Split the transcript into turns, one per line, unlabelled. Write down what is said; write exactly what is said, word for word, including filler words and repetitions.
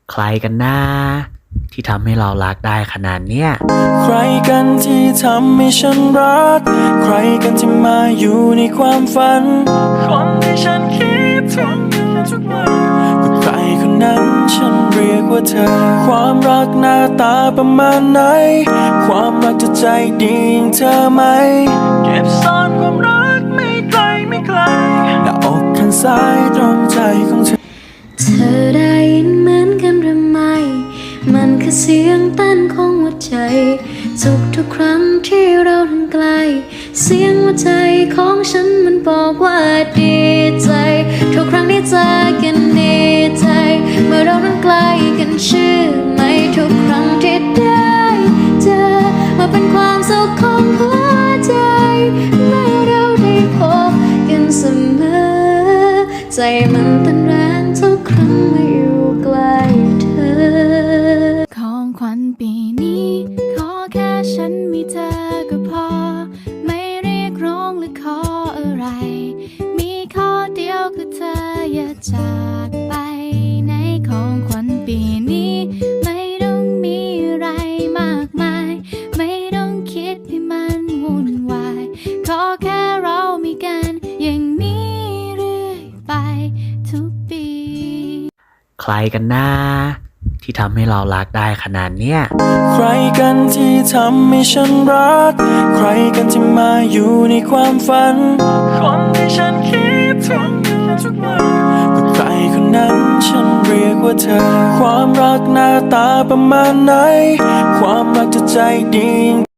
ใครกันนะที่ทำให้เรารักได้ขนาดเนี้ย
ใครกันที่ทำให้ฉันรักใครกันที่มาอยู่ในความฝันคนที่ฉันคิดถึงทุกวันก็ใครคนนั้นฉันเรียกว่าเธอความรักหน้าตาประมาณไหนความรักจะใจดีอย่างเธอไหมเก็บซ่อนความรักไม่ไกลไม่ไกลหน้าอกข้างซ้ายตรงใจของเธอ
เธอได้ยินเหมือนกันหรือไม่มันคือเสียงเต้นของหัวใจทุกทุกครั้งที่เราทั้งไกลเสียงหัวใจของฉันมันบอกว่าดีใจทุกครั้งที่เจอกันดีใจเมื่อเราทั้งไกลกันเชื่อไหมทุกครั้งที่ได้เจอมาเป็นความสุขของหัวใจเมื่อเราได้พบกันเสมอใจมันเต้นแรงทุกครั้งเมื่ออยู่ใกล้เธอของขวัญปีนี้ขอแค่ฉันมีเธอก็พอไม่เรียกร้องหรือขออะไรมีข้อเดียวคือเธออย่าจากไปในของขวัญปีนี้ไม่ต้องมีอะไรมากมายไม่ต้องคิดให้มันวุ่นวายขอแค่เรามีกันอย่างนี้เรื่อยไปทุกปี
ใครกันนะที่ทำให้เรารักได้ขนาดเนี้ย
ใครกันที่ทำให้ฉันรักใครกันที่มาอยู่ในความฝันคนที่ฉันคิดถึงทุกวันก็ใครคนนั้นฉันเรียกว่าเธอความรักหน้าตาประมาณไหนความรักจะใจดี